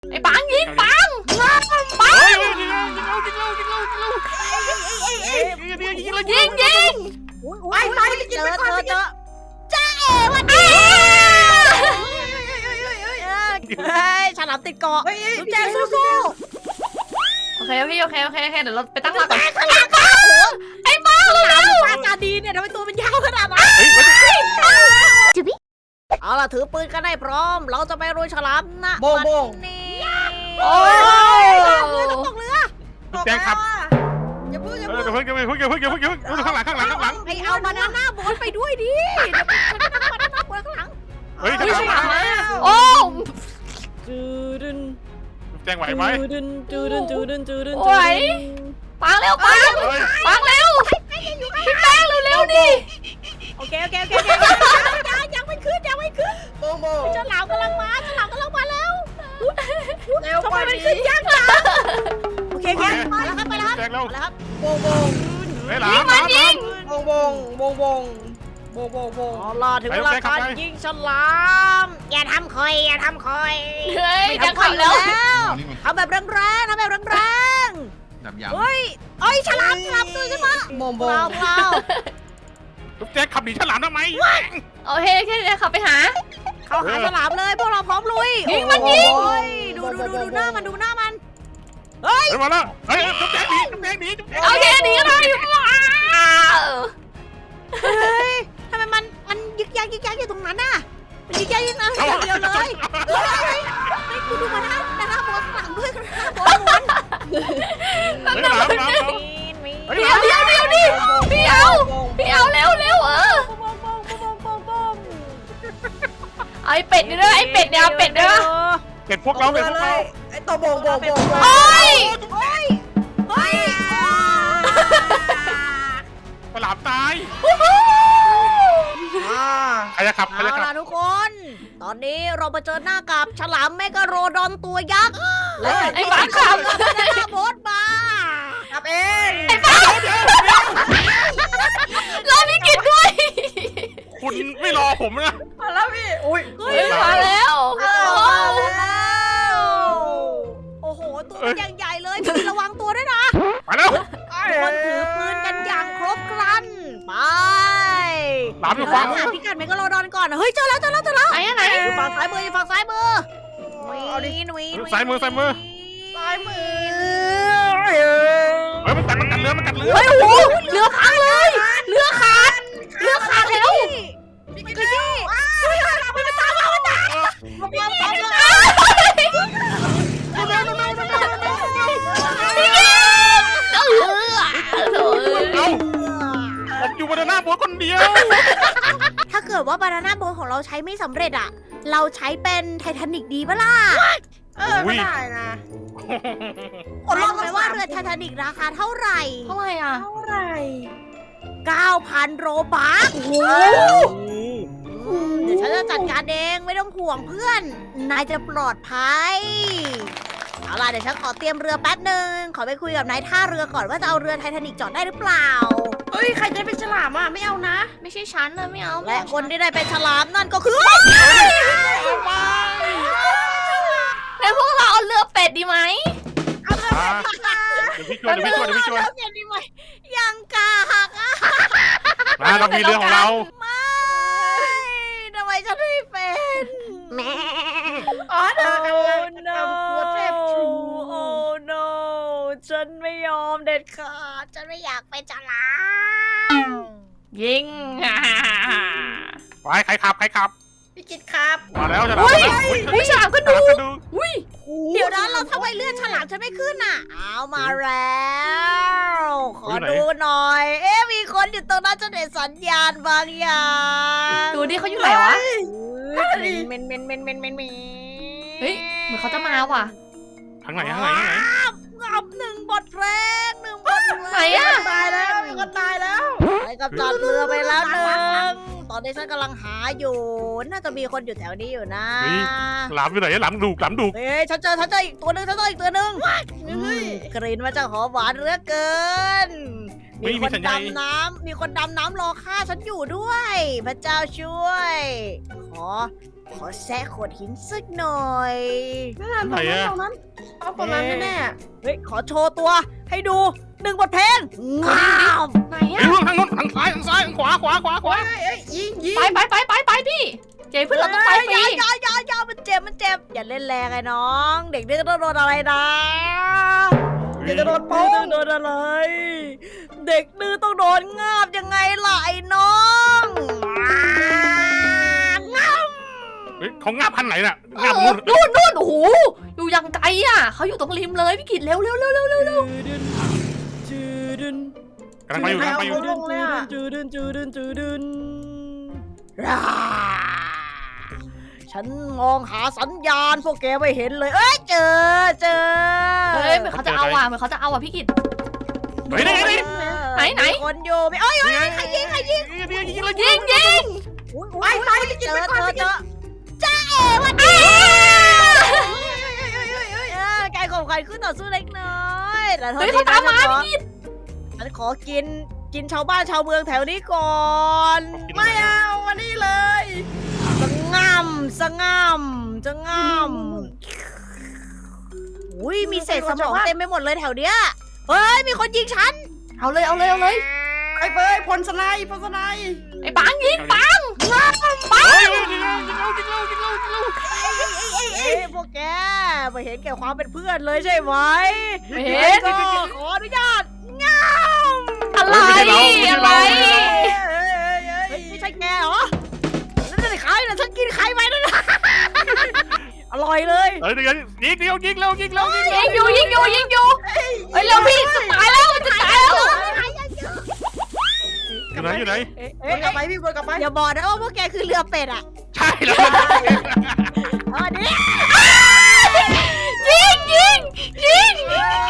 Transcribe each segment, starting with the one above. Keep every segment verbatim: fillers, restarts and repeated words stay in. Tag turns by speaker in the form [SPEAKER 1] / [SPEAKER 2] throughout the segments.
[SPEAKER 1] ไอ้ปังยิงปังปังยิงยิง
[SPEAKER 2] ไปไปไปเจอเจอเจอจ้าเอวันนี้เฮ้ยฉลามติดเกาะลูกแจงสู้
[SPEAKER 1] โอเคพี่โอเคโอเคโอเคเดี๋ยวเราไปตั้งหลักก่อน
[SPEAKER 2] ข้างหลังเขาไอ้บ้าฉลามปาจาดีเนี่ยทำไมตัวมันยาวขนาดนั้นเอาล่ะถือปืนกันได้พร้อม เราจะไปรุยฉลามนะ
[SPEAKER 3] โบงโบง
[SPEAKER 2] นี่
[SPEAKER 1] โอ้ย
[SPEAKER 2] ตกเรือ
[SPEAKER 4] ลูกแจ้งครับ
[SPEAKER 2] อย่าพูดอย่า
[SPEAKER 4] เอ
[SPEAKER 2] พู
[SPEAKER 4] อ
[SPEAKER 2] ด
[SPEAKER 4] เดี๋ยวเพิ่งเดี๋ยวเพิ่งเดี๋ยวเพิ่งเดี๋ยวเพิ่งเดี๋ยวเพิ่งข้างหลังข้างหลังข้างหลัง
[SPEAKER 2] ไอเอาบานาน่าโบ๊ทไปด้วยดิเดี๋ยวฉันจะนั่งบานาน่าโบ๊ทข้างหลัง
[SPEAKER 4] เฮ้ย
[SPEAKER 1] ไม่
[SPEAKER 4] ข้างหลั
[SPEAKER 1] ใช่
[SPEAKER 4] ง
[SPEAKER 1] หมาโอ้
[SPEAKER 3] จูดึน
[SPEAKER 4] ลูกแจ้งไหวไหม
[SPEAKER 3] จูดึนจูดึนจูดึนจูดึน
[SPEAKER 1] ไหวปังเร็วปัง
[SPEAKER 4] เฮ้ย
[SPEAKER 1] ปังเร็วพี่แป้งเร็วๆดิ
[SPEAKER 2] โอเคโอเคโอเคยังยังไม่ขึ้นยังไม่ขึ้น
[SPEAKER 3] โบงโบง
[SPEAKER 2] ฉลามกำลังมาฉลามกำลังมาแล้ว
[SPEAKER 3] เร็ว
[SPEAKER 2] ทำ
[SPEAKER 3] ก
[SPEAKER 2] ไม
[SPEAKER 3] ว่า
[SPEAKER 2] มัน
[SPEAKER 3] นี้
[SPEAKER 2] ขึ้นยากจังโอเคครับไปแล้วครับไปแล้วครับ
[SPEAKER 4] แจ้งแล้ว
[SPEAKER 2] ไปแล้วครับ
[SPEAKER 3] โบงโบง
[SPEAKER 4] เฮ้ยหลามหลามหลาม
[SPEAKER 3] โบงโบงโบงโบงโบงโบงโบง
[SPEAKER 2] อ๋อรอถึงเวลาการยิงฉลาม อย่าทำคอยอย่าทำคอย
[SPEAKER 1] เฮ้ย
[SPEAKER 2] ไม่
[SPEAKER 1] จะ
[SPEAKER 2] ทำคอย
[SPEAKER 1] ขับ
[SPEAKER 2] แล้
[SPEAKER 1] แล้ว ว
[SPEAKER 2] ทำแบบแรงๆทำแบบแรง
[SPEAKER 5] ดับ
[SPEAKER 2] ๆ
[SPEAKER 5] ยำ
[SPEAKER 2] เฮ้ยเอ้ยฉลามฉลามตื่นขึ้นมา
[SPEAKER 3] โบง
[SPEAKER 2] เป
[SPEAKER 3] โบ
[SPEAKER 2] ล่าง เปล่า
[SPEAKER 4] ลูกแจ้งขับหนีฉลามทำไม
[SPEAKER 1] โอเคแค่นี้ขับไปหา
[SPEAKER 2] เขาหาฉลามเลยพวกเราพร้อมลุย
[SPEAKER 1] ยิงมันยิง
[SPEAKER 2] โอ้ยดูดูดูดูหน้ามันดูหน้ามันเฮ้ย
[SPEAKER 4] เฮ้ยมาแล้วเฮ้ยลูกแจ้งหนีลูกแจ้งหนีลูกแจ้ง
[SPEAKER 1] โอเคหนีเลยว้าว
[SPEAKER 2] เฮ้ยทำไมมันมันยึกยักยึกยักอยู่ตรงนั้นน่ะมันยึกยักยึกยักอย่างเดียวเลยเฮ้ยเฮ้ยเฮ้ยคุณดูมาหน้าหน้าโบสหลังด้วยหน้าโบสล้วน
[SPEAKER 4] เฮ้ยหลามหลามหลาม
[SPEAKER 2] มี
[SPEAKER 4] เฮ้ย
[SPEAKER 1] เดี๋ยวเดี๋ยวเดี๋ยวดิพี่เอาพี่เอาเร็วเร็วเออไอเป็ดนี่ด้วยไอเป็ดเนี่ยเอาเป็ดด้วย
[SPEAKER 4] เก็บพวกเราเก็บพวกเรา
[SPEAKER 3] ไอ้ตัวโบงโบงโบง
[SPEAKER 1] โอ้ย
[SPEAKER 2] เฮ้ยเฮ้ย
[SPEAKER 4] ฉลามตาย
[SPEAKER 3] อ่า
[SPEAKER 4] ใครจะขับใคร
[SPEAKER 2] เอา
[SPEAKER 4] จะขับ
[SPEAKER 2] ล่ะทุกคน ตอนนี้เรามาเจอหน้ากับฉลามเมกะโรดอนตัวยักษ์และ
[SPEAKER 1] ไอ้บ้าขับ
[SPEAKER 2] หน้าโบสมา
[SPEAKER 3] ขับเอง
[SPEAKER 1] ไอ้บ้ารอพี่กิตด้วย
[SPEAKER 4] คุณไม่รอผมนะ
[SPEAKER 3] มาแล้วพี่อุ้ย
[SPEAKER 2] เฮ้ย
[SPEAKER 1] เฮ้ยมาแล้ว
[SPEAKER 2] มาแล้วโอ้โห ตัวมันยังใหญ่เลยพี่ระวังตัวด้วยนะ
[SPEAKER 4] มาแล้ว
[SPEAKER 2] ทุกคนถือปืนกันอย่างครบครัน ไป
[SPEAKER 4] หลามอยู่
[SPEAKER 2] เรา
[SPEAKER 4] ฝั่ง
[SPEAKER 2] หาพิกัดเมกะโรดอนก่อน เฮ้ย เจอแล้วเจอแล้วเจอแล้ว
[SPEAKER 1] ไหนอะไหน
[SPEAKER 2] อยู่ฝั่งซ้ายมืออยู่ฝั่งซ้ายมือวีนวีน
[SPEAKER 4] ซ้ายมือซ้ายมือ
[SPEAKER 3] ซ้ายมือ
[SPEAKER 4] เฮ้ยมันกัดมันกัดเรือมันกัดเรือ
[SPEAKER 1] เฮ้ยโอ้โหเรือพังเลยเรือขาดเรือขาดแล้ว
[SPEAKER 2] พี่ขยี้เฮ้ยมันมาตามมามันตาม
[SPEAKER 3] มาปั๊มปั๊ม
[SPEAKER 1] พี่กิตเออโถ่เอ้ย
[SPEAKER 4] เอ้าผมอยู่บนหน้าโบ๊ทคนเดียว
[SPEAKER 2] ถ้าเกิดว่าบานาน่าโบ๊ทของเราใช้ไม่สำเร็จอะเราใช้เป็นไททานิกดีปะล่ะ
[SPEAKER 3] เออก็ได้นะ
[SPEAKER 2] คนรู้ไหมว่าเรือไททานิกราคาเท่าไหร่
[SPEAKER 1] เท่าไหร่อ่ะ
[SPEAKER 3] เท่าไหร่
[SPEAKER 2] เก้าพัน โรบัคเดี๋ยวฉันจะจัดการเองไม่ต้องห่วงเพื่อน นายจะปลอดภัย เอาล่ะเดี๋ยวฉันขอเตรียมเรือแป๊บหนึ่งขอไปคุยกับนายท่าเรือก่อนว่าจะเอาเรือไททานิกจอดได้หรือเปล่า
[SPEAKER 3] เฮ้ยใครจะเป็นฉลามอ่ะไม่เอานะ
[SPEAKER 1] ไม่ใช่ฉันนะไม่เอา
[SPEAKER 2] และคนที่ได้เป็นฉลามนั่นก็คือ
[SPEAKER 1] แล้วพวกเราเอาเรือเป็ดดีไหม
[SPEAKER 4] เดี๋ยวพี่ช่วยเดี๋ยวพี่ช่วยเดี๋ยวพี่ช่วย
[SPEAKER 2] เรือดีไหมยังกาหักอ่ะ
[SPEAKER 4] มาเรามีเรือของเรา
[SPEAKER 2] ไม่ทำไมฉันไม่เป็นแม่
[SPEAKER 3] อ๋อเธ
[SPEAKER 2] โอ้
[SPEAKER 3] อกำลัง
[SPEAKER 2] no
[SPEAKER 3] ทำตัวเทพชู
[SPEAKER 2] โอ้ no ฉันไม่ยอมเด็ดขาด ฉันไม่อยากเป็นฉลาม
[SPEAKER 1] ยิง
[SPEAKER 4] ไปใครขับใครขับ
[SPEAKER 3] พี่กิตครับ
[SPEAKER 4] มาแล้วฉลาม
[SPEAKER 1] อุ้ย
[SPEAKER 4] มาแล้วอุ้ย
[SPEAKER 1] อุ้ยฉลามก็
[SPEAKER 4] ฉ
[SPEAKER 1] ดู
[SPEAKER 4] ลามกระดูก
[SPEAKER 1] อุ้ย
[SPEAKER 2] เดี๋ยวนะเราทำไมเลื่อนฉลามฉันไม่ขึ้นอ่ะ เอามาแล้ว ขอดูหน่อย เอ๊ะมีคนอยู่ตรงนั้นจะเห็นสัญญาณบางอย่าง
[SPEAKER 1] ดูดิเขาอยู่ไหนวะ
[SPEAKER 2] เมนเมนเมนเมนเมนเมน
[SPEAKER 1] เฮ้ยเหมือนเขาจะมาว่ะ
[SPEAKER 4] ทางไหนทางไหนทางไหน
[SPEAKER 2] งับหนึ่งบทเพลงหนึ่งบทเพลง
[SPEAKER 1] ไหนอะ
[SPEAKER 3] ตายแล้วมีคนตายแล้ว
[SPEAKER 2] ไปกับจัดเรือไปแล้วหนึ่งตอนนี้ฉันกำลังหาอยู่ น่าจะมีคนอยู่แถวนี้อยู่นะ
[SPEAKER 4] หลามอยู่ไหนหลามดุกหลามดุก
[SPEAKER 2] เฮ้ยฉันเจอฉันเจออีกตัวหนึ่งฉันเจออีกตัวหนึ่งอืมกลิ่นมาจากหอมหวานเหลือเกิน มีคนดำน้ำมีคนดำน้ำรอฆ่าฉันอยู่ด้วย พระเจ้าช่วย ขอขอแซะโขดหินสักหน่อย
[SPEAKER 3] นั่นตรงนั้นตรงนั้นต้องตรงนั้นแน่
[SPEAKER 2] เฮ้ย ขอโชว์ตัวให้ดูหนึ่งบทเพลงงาม
[SPEAKER 1] ไหน
[SPEAKER 4] ไอ้
[SPEAKER 1] อะ
[SPEAKER 4] เรื่องทางโน้นทางซ้ายทางซ้ายทางขวาขวาขวาข
[SPEAKER 3] ๆ
[SPEAKER 4] วา
[SPEAKER 3] เฮ้ยเฮ้ยยิงยิง
[SPEAKER 1] ไปไปไปไปไปพี่เจ๊เพื่อนเราต้องไปฟรี
[SPEAKER 2] อย่าอย่าอย่ามันเจ็บมันเจ็บอย่าเล่นแรงไอ้น้อง เด็กนี่ก็ต้องโดนอะไรนะ
[SPEAKER 3] เดี๋ยวจะโดน
[SPEAKER 2] โด
[SPEAKER 3] โป้ง
[SPEAKER 2] นโดนอะไร เด็กดื้อต้องโดนงาบยังไงล่ะไอ้น้อง
[SPEAKER 4] เฮ้ยเขางับพันไหนน่ะ
[SPEAKER 1] เอ
[SPEAKER 4] งับ
[SPEAKER 1] อ
[SPEAKER 4] นู่น
[SPEAKER 1] นู่นนู่นโอ้โหอยู่ยังไกลอ่ะเขาอยู่ตรงริมเลยพี่กิตเร็วเร็วเร็วเร็วเร็วเร็ว
[SPEAKER 2] จืดึน
[SPEAKER 4] กำลังไปอยู่กำลังไปอยู่
[SPEAKER 2] จืดึนจืดึนจืดึนจืดึนร่าฉันมองหาสัญญาณพวกแกไม่เห็นเลย เอ้ยเจอเจอ
[SPEAKER 1] เฮ้ยเหมือนเขาจะเอาอ่ะเหมือนเขาจะเอาอ่ะพี่กิต
[SPEAKER 4] เฮ้ยนี่นี่นี่
[SPEAKER 1] ไหนไหน
[SPEAKER 2] มีคนอยู่มีเอ้ยเอ้ยใครยิงใครยิง
[SPEAKER 4] ยิงยิงยิง
[SPEAKER 1] ยิงยิง
[SPEAKER 2] อุ๊ย
[SPEAKER 3] ไป
[SPEAKER 2] อุ๊ย
[SPEAKER 3] ไปไปกิน
[SPEAKER 2] เจ
[SPEAKER 3] ไป
[SPEAKER 2] อ
[SPEAKER 3] ก่อน
[SPEAKER 2] เจอ
[SPEAKER 3] ไป
[SPEAKER 2] เจ
[SPEAKER 3] กิน
[SPEAKER 2] อจ้าเอ๋วันนี้เออแกข่มขันขึ้นต่อสู้เล็กน้อยแต่เท่า
[SPEAKER 1] เฮ้ย
[SPEAKER 2] นี้
[SPEAKER 1] เขาตามมา
[SPEAKER 2] นะ
[SPEAKER 1] พี่กิต
[SPEAKER 2] ฉันขอกินกินชาวบ้านชาวเมืองแถวนี้ก่อน
[SPEAKER 3] ไม่เอาวันนี้เลย
[SPEAKER 2] สงำสงำจะงำอุ้ยมีเศษสมองเต็มไปหมดเลยแถวเนี้ยเฮ้ยมีคนยิงฉัน
[SPEAKER 1] เอาเลยเอาเลยเอาเลย
[SPEAKER 3] ไอ้เบยพลสไนป์พลสไนป์
[SPEAKER 1] ไอ้ปังยิงปัง
[SPEAKER 4] เฮ้ยยิงเรายิงเรายิงเรายิงเรายิงเรา
[SPEAKER 2] เอ้ยพวกแกไม่เห็นแก่ความเป็นเพื่อนเลยใช่ไหม
[SPEAKER 1] ไม่เห็น
[SPEAKER 2] ก็ขออนุญาตงาม
[SPEAKER 1] อะไรอะไร
[SPEAKER 2] เฮ้ยไม่ใช่แกเหรอนั่นจะใครนะฉันกินใครไปนั่นน่ะอร่อยเลย
[SPEAKER 4] เฮ้ยเดี๋ยวยิงเดียวยิงเร็วยิงเร็วยิงเร็ว
[SPEAKER 1] ยิงอยู่ยิงอยู่ยิงอยู่เฮ้ยเร็วพี่จะตายแล้วมันจะตายแล้ว
[SPEAKER 4] อยู่ไหนอยู่ไหน
[SPEAKER 3] วนกลับไปพี่วนกลับไป
[SPEAKER 2] อย่าบอกนะว่าพวกแกคือเรือเป็ดอ่ะ
[SPEAKER 4] ใช่แล้ว
[SPEAKER 2] เออนี่
[SPEAKER 1] ยิงยิงยิง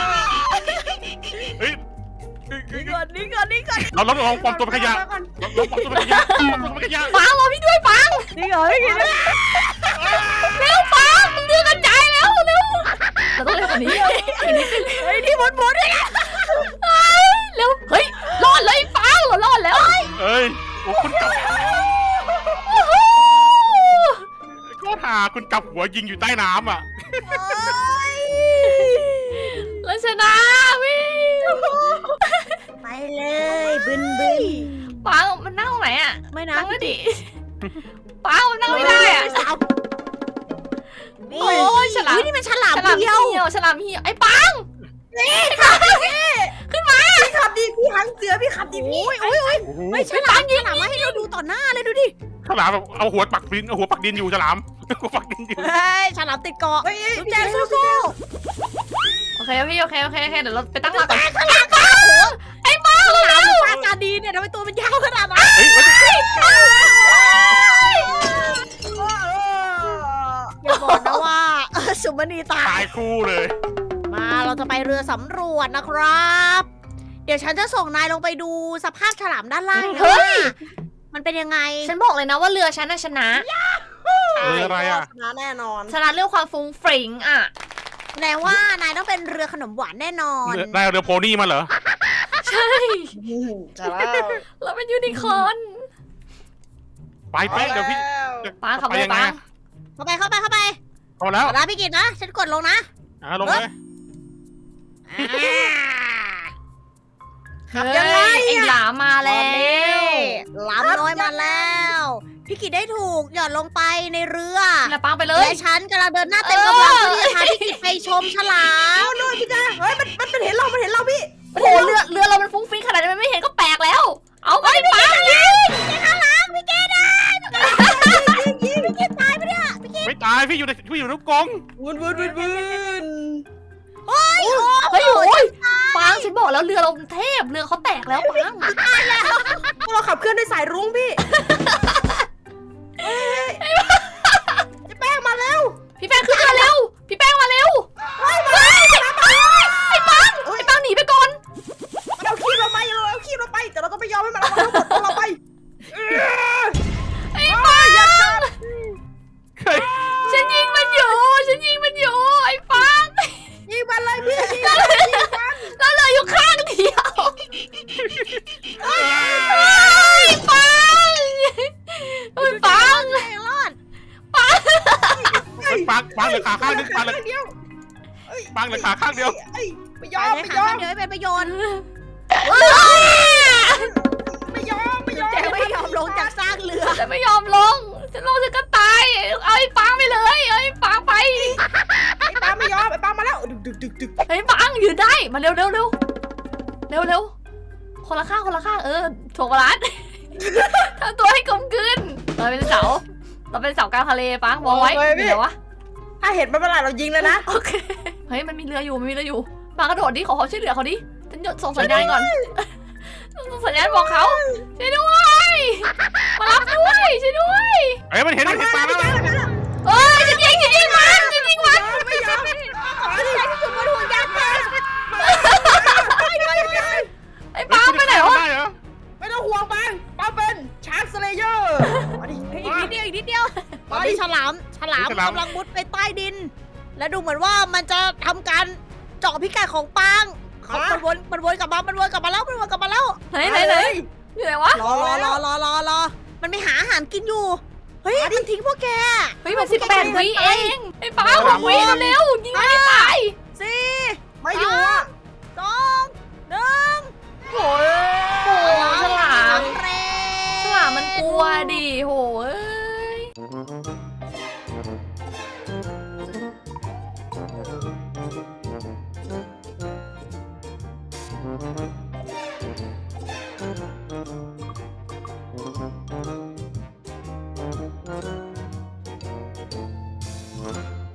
[SPEAKER 4] เฮ้ย
[SPEAKER 2] นี่ก่อนนี่ก่อนนี่ก่อน
[SPEAKER 4] เราลองปลอมตัวเป็นขยะเราลองปลอมตัวเป็นขยะปลอมตัวเป็นขยะ
[SPEAKER 1] ปังรอพี่ด้วยปัง
[SPEAKER 2] นี่ก่อนนี่ก่อน
[SPEAKER 1] เร็วปังเรือกระจายแล้วเร็วเราต้องเร็วกว่านี้
[SPEAKER 2] เฮ้ยที่หมุนหมุนด้วยนะ
[SPEAKER 1] เร็วเฮ้ยรอดเลยปังเรารอดแล้ว
[SPEAKER 4] เอ้ยโอ้คุณกลับก็หาคุณกลับหัวยิงอยู่ใต้น้ำอ่ะ
[SPEAKER 1] เราชนะพี่
[SPEAKER 2] ไปเลยบึนบึน
[SPEAKER 1] ปังมันนั่งตรงไหนอ่ะ
[SPEAKER 2] ไม่นะ
[SPEAKER 1] นั่งไม่ดิปังมันนั่งไม่ได้อ่ะ
[SPEAKER 2] นี่
[SPEAKER 1] โอ้ยฉลาม
[SPEAKER 2] อุ๊ยนี่มันฉลาม
[SPEAKER 1] ฉลาม
[SPEAKER 2] เดี
[SPEAKER 1] เหี
[SPEAKER 2] ยว
[SPEAKER 1] ่ยวฉลามเหี่ยวไอ้ปัง
[SPEAKER 3] พี่ขับดีพี่หางเสือพี่ขับดีพี่
[SPEAKER 2] อุ้ยอุ้ยอุ้ย
[SPEAKER 4] โอ้โห
[SPEAKER 2] ไม่ฉลามฉลามมาให้เราดูต่อหน้าเลยดูดิ
[SPEAKER 4] ฉลามแบบเอาหัวปักดินเอาหัวปักดินอยู่ฉลามหัวปักดินอยู่
[SPEAKER 2] เฮ้ยฉลามติดเกาะ
[SPEAKER 3] เฮ้ย
[SPEAKER 2] ลูกแจงสู้
[SPEAKER 1] โอเคพี่โอเคโอเคโอเคเดี๋ยวเราไปตั้งหลัก
[SPEAKER 2] ๆ
[SPEAKER 1] ก่อน
[SPEAKER 2] ฉลามเปล่าไอ้บ้าฉลามหรือปลาจาดีเนี่ยทำไมตัวมันยาวขนาดนั้น
[SPEAKER 4] เฮ้ย
[SPEAKER 2] อย่าบอกนะว่าเออสุมณีตา
[SPEAKER 4] ตาย ยคู่เลย
[SPEAKER 2] มาเราจะไปเรือสำรวจนะครับ เดี๋ยวฉันจะส่งนายลงไปดูสภาพฉลามด้านล่างนะ
[SPEAKER 1] เฮ้ย
[SPEAKER 2] มันเป็นยังไง
[SPEAKER 1] ฉันบอกเลยนะว่าเรือฉันน่ะชนะ
[SPEAKER 4] เอออะไรอ่ะ
[SPEAKER 3] ชนะแน่นอน
[SPEAKER 1] ชนะเรื่องความฟุ้งฟริ้งอ่ะ
[SPEAKER 2] แสดงว่านายต้องเป็นเรือขนมหวานแน่นอน
[SPEAKER 4] ได้เรือโพนี่มาเหรอ
[SPEAKER 1] ใช่
[SPEAKER 3] จะแล้ว
[SPEAKER 1] เราเป็นยูนิคอร์น
[SPEAKER 4] ไปไปเดี๋ยวพี่
[SPEAKER 1] ปังขับ
[SPEAKER 4] ไป
[SPEAKER 1] เลย
[SPEAKER 4] ยังไง
[SPEAKER 1] ปัง
[SPEAKER 2] เข้าไปเข้าไปเข้าไป
[SPEAKER 4] พอแล้ว
[SPEAKER 2] ขอลาพี่กิตนะ ฉันกดลงนะ
[SPEAKER 4] อ่ะลงเลย
[SPEAKER 2] ขับยังไง
[SPEAKER 1] เฮ้ยไอ้หลามมาแล้ว
[SPEAKER 2] หลามน้อยมาแล้ว พี่กิตได้ถูกหย่อนลงไปในเรือ
[SPEAKER 1] แล้วปังไปเลย
[SPEAKER 2] และฉันกำลังเดินหน้าเต็มกำลังเพื่อที่จะพาพี่กิตไปชมฉลาม
[SPEAKER 3] เอาเลยพี่จ้าเฮ้ยมันมันเห็นเรา มันเห็นเราพี่
[SPEAKER 1] โอ้โหเรือเรือเรามันฟุ้งฟริ้งขนาดนี้มันไม่เห็นก็แปลกแล้ว เอาไปปังยิง
[SPEAKER 2] ข้างหลังพี่เกดได้ยิงพี่เกดตายไปเนี่ยพี่เกด
[SPEAKER 4] ไม่ตายพี่อยู่ในพี่อยู่ในลูกกรง
[SPEAKER 3] วุ้นวุ้นวุ้นวุ้น
[SPEAKER 2] โอ้ย
[SPEAKER 1] เฮ้ยโอ้ยปังฉันบอกแล้วเรือเราเทพเรือเขาแตกแล้วปัง
[SPEAKER 3] เราขับเคลื่อนด้วยสายรุ้งพี่จะแป้งมาแล้ว
[SPEAKER 1] พี่แป้งขึ้นมาเร็ว พี่แป้งมาเร็วเฮ้ยไอ้ปังไอ้ปังหนีไปก่อน
[SPEAKER 3] มันเอาขี้เราไปเราเอาขี้เราไปแต่เราต้องไม่ยอมให้มันเอาทั้งหมดของเราไป
[SPEAKER 1] ไอ้ปัง
[SPEAKER 4] เฮ้ย
[SPEAKER 1] ฉันยิงมันอยู่ ฉันยิงมันอยู่ ไอ้ปัง
[SPEAKER 3] ยิงมันเลยพี่ยิง
[SPEAKER 1] แล้วเหลืออยู่ข้างเดียวไอ้ปังไอ้ปัง
[SPEAKER 2] รอด
[SPEAKER 1] ปัง
[SPEAKER 4] ขาข้างนึงปังเลย
[SPEAKER 3] เดียว
[SPEAKER 4] ปังเลยขาข้างเดียว
[SPEAKER 3] เอ้ยไม่ย
[SPEAKER 2] ไป
[SPEAKER 3] อม
[SPEAKER 2] ใช้
[SPEAKER 3] ไม่
[SPEAKER 2] ขาย
[SPEAKER 3] อม
[SPEAKER 2] ข้างเดียวให้เป็นประโยชน์
[SPEAKER 3] ไม่ยอมไม่ยอม
[SPEAKER 2] แกไม่ยอมลงจากซากเรือ
[SPEAKER 1] ฉันไม่ยอมลงฉันลงฉันก็ตายเอาไอ้ปังไปเลยเอาไอ้ปังไป
[SPEAKER 3] ไอ้ปาไม่ยอมไอ้ปามาแล้วดึกดึกดึกดึก
[SPEAKER 1] ไอ้ปังยืนได้มาเร็วเร็วเร็วเร็วเร็วคนละข้างคนละข้างเออถ่วงบาลานซ์ ทำตัวให้กลมกลืนเราเป็นเสาเราเป็นเสากลางทะเลปังมองไว้อยู่ไหนวะ
[SPEAKER 3] ถ้าเห็นมันเมื่อไหร่เรายิงเลยนะ
[SPEAKER 1] โอเคเฮ้ยมันมีเรืออยู่มันมีเรืออยู่ปางกระโดดดิขอความช่วยเหลือเขาดิฉันหยดส่งสัญญาณก่อนส่งสัญญาณบอกเขาช่วยด้วยมารับด้วยช่วยด้วย
[SPEAKER 4] เฮ้ยมันเห็นมันเห็นปลาแล้ว
[SPEAKER 1] เอ้ยจะยิงจะยิงมันจะยิงมัน
[SPEAKER 3] ไม่ยอม
[SPEAKER 2] ขอที่ใช้ที่สุดบนห่วงยางมา
[SPEAKER 1] ไอ้ปังไปไหนวะ
[SPEAKER 4] ได้เหรอ
[SPEAKER 3] ไม่ต้องห่วงปังปาเป็นชาร์กสเลเยอร์มาดิ
[SPEAKER 2] อีกนิดเดียวอีกนิดเดียวตอนนี้ฉลามฉลามกำลังมุดไปใต้ดิน และดูเหมือนว่ามันจะทำการเจาะพิกัดของปางมันวนมันวนกลับมามันวนกลับมาแล้วมันวนกลับมาแล้ว
[SPEAKER 1] ไหนไหนไหนอยู่ไหนวะ
[SPEAKER 2] รอรอรอรอรอรอมันไม่หาอาหารกินอยู่ เฮ้ยมันทิ้งพวกแก
[SPEAKER 1] เฮ้ยมันสิบแปดวิเองไอ้ปังหกวิเร็วยิงไม่ตาย
[SPEAKER 2] สี่
[SPEAKER 3] ไม่อยู่อ่ะ
[SPEAKER 2] สองหนึ่ง
[SPEAKER 1] โอ้ยโหฉลาม
[SPEAKER 2] สำเร็จ
[SPEAKER 1] ฉลามมันกลัวดิโหเอ้ย